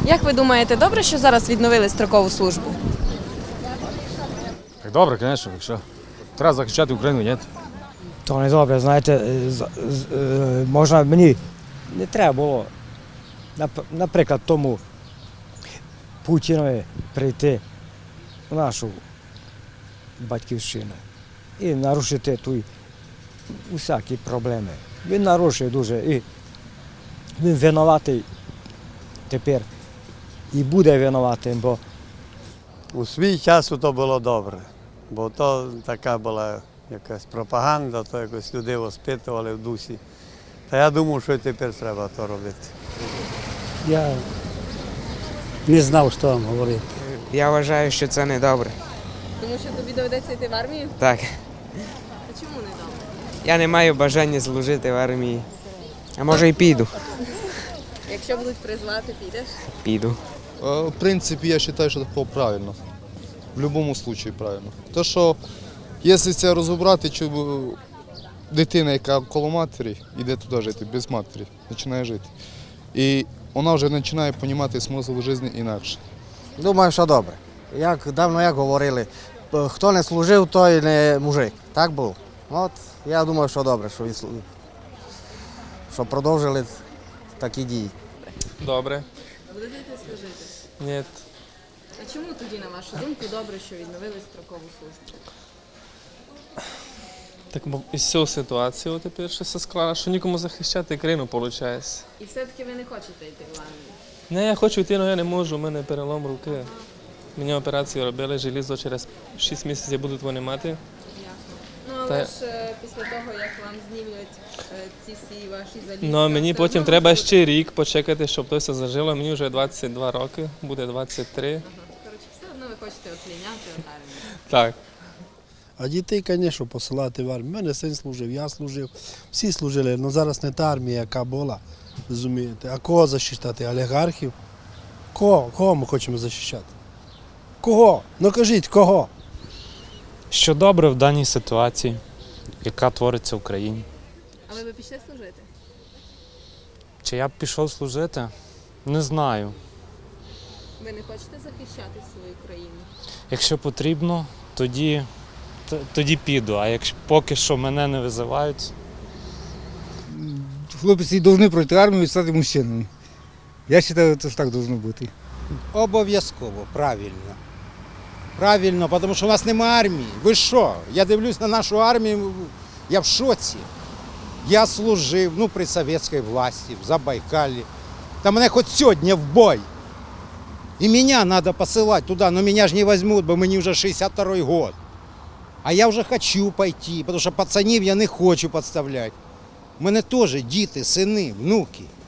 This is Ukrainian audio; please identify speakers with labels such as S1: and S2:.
S1: Як ви думаєте, добре, що зараз відновили строкову службу?
S2: Так добре, звісно, якщо треба захищати Україну, ні.
S3: То не добре, знаєте, можна мені не треба було, наприклад, тому Путінові прийти в нашу батьківщину і нарушити тут усякі проблеми. Він нарушив дуже і він винуватий тепер і буде винуватим, бо
S4: У свій час то було добре, бо то така була якась пропаганда, то якось людей воспитували в дусі. Та я думаю, що і тепер треба то робити.
S5: Я не знав, що вам говорити.
S6: Я вважаю, що це не добре.
S1: Тому що тобі доведеться йти в армію?
S6: Так.
S1: А чому не добре?
S6: Я не маю бажання служити в армії. А може і піду.
S1: Якщо будуть призвати, підеш?
S6: Піду.
S7: В принципе, я считаю, что это правильно. В будь-якому случае правильно. То, що, якщо це розібрати, чи дитина, яка коло матері, йде туди жити, без матері, починає жити. І вона вже починає розуміти смисл життя інакше.
S8: Думаю, що добре. Як давно говорили, хто не служив, той не мужик. Так було. От я думаю, що добре, що продовжили такі дії.
S9: Добре.
S1: Будете йти служити?
S9: Ні.
S1: А чому тоді, на вашу думку, добре, що відновили строкову службу?
S9: Так із цього ситуації тепер що все склала, що нікому захищати країну виходить.
S1: І все-таки ви не хочете йти в армію?
S9: Не, я хочу йти, але я не можу, у мене перелом руки. Мені операцію робили, желізо через 6 місяців будуть вони мати.
S1: Ясно. Ну, але ж після того, як вам знімуть ці всі ваші залізки...
S9: Ну, мені потім треба ще рік почекати, щоб то все зажило. Мені вже 22 роки, буде 23.
S1: Ага. Коротше, все одно ви хочете отліняти в армію.
S9: Так.
S5: А дітей, звісно, посилати в армію. У мене син служив, я служив, всі служили, але зараз не та армія, яка була, розумієте. А кого захищати? Олігархів? Кого ми хочемо захищати? Кого? Ну кажіть, кого?
S10: Що добре в даній ситуації, яка твориться в країні.
S1: А ви пішли служити?
S10: Чи я б пішов служити? Не знаю.
S1: Ви не хочете захищати свою країну?
S10: Якщо потрібно, тоді піду, а якщо поки що мене не визивають.
S11: Хлопці повинні пройти армію і стати мужчинами. Я вважаю, що так повинно бути.
S12: Обов'язково, правильно. Правильно, тому що у нас немає армії. Ви що? Я дивлюсь на нашу армію, я в шоці. Я служив при совєтській власті, в Забайкалі. Та мене хоч сьогодні в бой. І мене треба посилати туди, але мене ж не візьмуть, бо мені вже 62-й год. А я вже хочу пойти, тому що пацанів я не хочу підставляти. У мене теж діти, сини, внуки.